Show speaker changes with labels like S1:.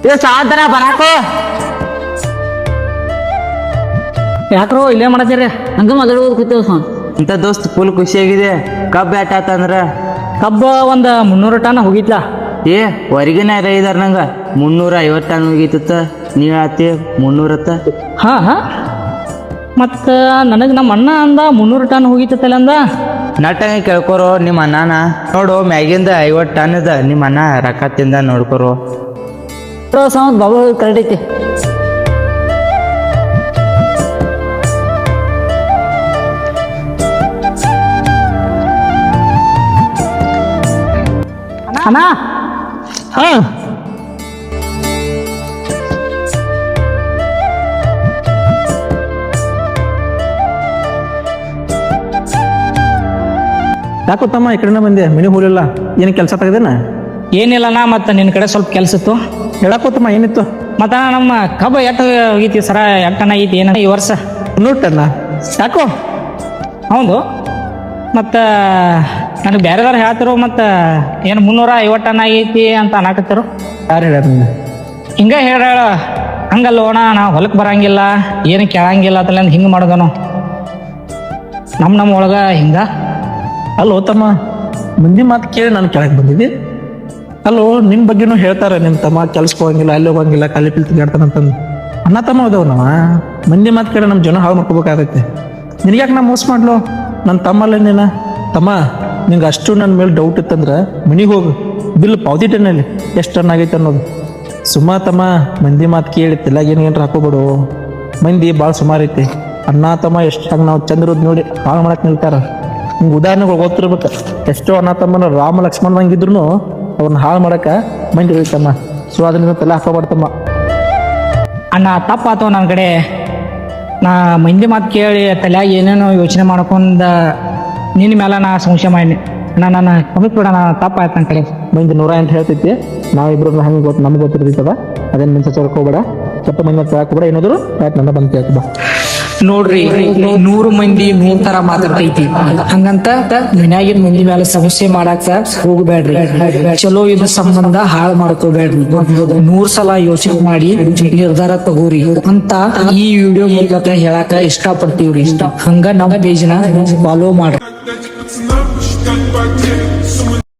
S1: ಸಾಧನ ಬರಾಕೋ
S2: ಯಾಕ್ರೋ ಇಲ್ಲೇ ಮಾಡತ್ತೀರಿ?
S1: ಹಂಗ ಮೊದಲು ಕೂತೇವ್ ಸಾ
S3: ಇಂಥ ದೋಸ್ತ್ ಫುಲ್ ಖುಷಿಯಾಗಿದೆ. ಕಬ್ಬು ಬ್ಯಾಟ್ ಆತಂದ್ರ
S2: ಕಬ್ಬ ಒಂದು 300 ಟನ್ ಹೋಗಿತ್ಲಾ.
S3: ಏ ಹೊರಗಿನ ಇದಾರ ನಂಗ 350 ಟನ್ ಹೋಗಿತ್ತ. ನೀ ಆತಿ 300.
S2: ಹಾ ಹಾ ಮತ್ತ ನನಗೆ ನಮ್ಮ ಅಣ್ಣ ಅಂದ 300 ಟನ್ ಹೋಗಿತ್ತಲ್ಲ ಅಂದ.
S3: ನಟಂಗೆ ಕೇಳ್ಕೊರೋ ನಿಮ್ಮ ಅಣ್ಣನ. ನೋಡು ಮ್ಯಾಗಿಂದ 50 ಟನ್ ಇದ ನಿಮ್ಮ ಅಣ್ಣ ರೊಕ್ಕ ತಿಂದ ನೋಡ್ಕೊರೋ.
S1: ಸಾವಂತ್ ಬಾಬು ಕರೆಕ್ಟ್ ಐತಿ.
S2: ಅಣ್ಣ ಹಾ
S4: ಯಾಕೋ ತಮ್ಮ ಈ ಕಡೆನ ಬಂದೆ, ಮನೆ ಹೋಲಿಲ್ಲ. ಏನು ಕೆಲಸ ತೆಗೆದೇನ?
S2: ಏನಿಲ್ಲಣ್ಣ, ಮತ್ತು ನಿನ್ನ ಕಡೆ ಸ್ವಲ್ಪ ಕೆಲಸ ಇತ್ತು.
S4: ಹೇಳಕ್ಕೋತಮ್ಮ ಏನಿತ್ತು?
S2: ಮತ್ತು ನಮ್ಮ ಕಬ್ಬ ಎಟ್ಟು ಹೋಗೈತಿ ಸರ, ಎಟ್ಟನ ಐತಿ ಏನ ಈ ವರ್ಷ?
S4: 100 ಟನ್ನ. ಯಾಕೋ?
S2: ಹೌದು, ಮತ್ತು ನನಗೆ ಬೇರೆದವ್ರು ಹೇಳ್ತಿರು, ಮತ್ತು ಏನು 350 ಟನ್ ಆಗೈತಿ ಅಂತ ಅನ್ನಕತ್ತಿರು.
S4: ಯಾರು ಹೇಳ್ಯಾರ ನಿಂಗೆ?
S2: ಹಿಂಗೆ ಹೇಳ ಹಂಗಲ್ಲೋಣ, ನಾವು ಹೊಲಕ್ಕೆ ಬರಂಗಿಲ್ಲ, ಏನು ಕೇಳಂಗಿಲ್ಲ ಅಂತಲ್ಲ ಹಿಂಗೆ ಮಾಡೋದನು ನಮ್ಮ ಒಳಗೆ ಹಿಂಗೆ.
S4: ಅಲ್ಲೋ ತಮ್ಮ, ಮಂದಿ ಮಾತು ಕೇಳಿ ನಾನು ಕೆಳಗೆ ಬಂದಿದ್ದೆ. ಅಲ್ಲೋ ನಿನ್ನ ಬಗ್ಗೆನೂ ಹೇಳ್ತಾರೆ, ನಿಮ್ಮ ತಮ್ಮ ಕೆಲ್ಸಕ್ಕೆ ಹೋಗಂಗಿಲ್ಲ, ಅಲ್ಲಿ ಹೋಗಂಗಿಲ್ಲ, ಖಾಲಿ ಪಿಲ್ ತಿಗಾಡ್ತಾನಂತಂದು. ಅಣ್ಣ ತಮ್ಮ ಹೋದವ್ ನಾವ. ಮಂದಿ ಮಾತು ಕೇಳಿ ನಮ್ಮ ಜನ ಹಾಳು ಮಾಡ್ಕೋಬೇಕಾಗೈತೆ. ನಿನಗ್ಯಾಕೆ ನಾ ಮೋಸ ಮಾಡ್ಲು? ನನ್ನ ತಮ್ಮಲ್ಲ ನೀನ. ತಮ್ಮ ನಿಂಗೆ ಅಷ್ಟು ನನ್ನ ಮೇಲೆ ಡೌಟ್ ಇತ್ತಂದ್ರೆ ಮನೆಗೆ ಹೋಗು, ಬಿಲ್ ಪಾವತಿ ಟನ್ನಲ್ಲಿ ಎಷ್ಟು ಟನ್ ಆಗೈತೆ ಅನ್ನೋದು. ಸುಮ್ಮ ತಮ್ಮ ಮಂದಿ ಮಾತು ಕೇಳಿ ತಿಲ್ಲಾಗ ಏನಾರ ಹಾಕೋಬಿಡು. ಮಂದಿ ಭಾಳ ಸುಮಾರು ಐತಿ. ಅಣ್ಣ ತಮ್ಮ ಎಷ್ಟಾಗ ನಾವು ಚಂದ್ರದ್ ನೋಡಿ ಹಾಳು ಮಾಡಕ್ಕೆ ನಿಲ್ತಾರ. ನಿಂಗೆ ಉದಾಹರಣೆಗಳು ಗೊತ್ತಿರ್ಬೇಕು. ಎಷ್ಟೋ ಅಣ್ಣ ತಮ್ಮನ ರಾಮ ಲಕ್ಷ್ಮಣದಂಗಿದ್ರು ಅವ್ರನ್ನ ಹಾಳು ಮಾಡಕ್ಕೆ ಮಂದಿ ಹೇಳ್ತಮ್ಮ. ಸೊ ಅದರಿಂದ ತಲೆ ಹಾಕೋಬಾರ್ದಮ್ಮ.
S2: ಅಣ್ಣ ತಪ್ಪಾತವ ನನ್ನ ಕಡೆ. ನಾ ಮಂದಿ ಮಾತು ಕೇಳಿ ತಲೆಯಾಗ ಏನೇನೋ ಯೋಚನೆ ಮಾಡ್ಕೊಂಡು ನಿನ್ನ ಮೇಲೆ ನಾ ಸಂಶಯ ಮಾಡಿ ನನ್ನ ಕಮ್ಮಿ ಕೂಡ ನಾ ತಪ್ಪಾಯ್ತು ನನ್ನ ಕಡೆ.
S4: ಮಂದಿ 108 ಹೇಳ್ತೈತಿ. ನಾವಿಬ್ರು ಹಂಗೆ ಗೊತ್ತು, ನಮ್ಗೆ ಗೊತ್ತಿರ್ತೈತದ. ಅದೇನು ಮಿನ್ಸ ಹೋಗ್ಬೇಡ, ಸ್ವಲ್ಪ ಮಂದಿ ಮತ್ತೆ ಹಾಕೋಬೇಡ. ಏನಾದ್ರು ಆಯ್ತು ನನ್ನ ಬಂದು ಕೇಳ್ತದ.
S2: ನೋಡ್ರಿ, 100 ಮಂದಿ 100 ತರ ಮಾತಾಡ್ತೈತಿ. ಹಂಗಂತ ಮನ್ಯಾಗಿನ ಮಂದಿ ಮೇಲೆ ಸಮಸ್ಯೆ ಮಾಡಾಕ ಹೋಗ್ಬೇಡ್ರಿ. ಚಲೋ ಇದು ಸಂಬಂಧ ಹಾಳು ಮಾಡ್ಕೋಬೇಡ್ರಿ. 100 ಸಲ ಯೋಚನೆ ಮಾಡಿ ನಿರ್ಧಾರ ತಗೋರಿ ಅಂತ ಈ ವಿಡಿಯೋ ಮೂಲಕ ಹೇಳಾಕ ಇಷ್ಟ ಪಡ್ತೀವ್ರಿ. ಹಂಗ ನಮ್ಮ ಪೇಜ್ನ ಫಾಲೋ ಮಾಡ್ರಿ.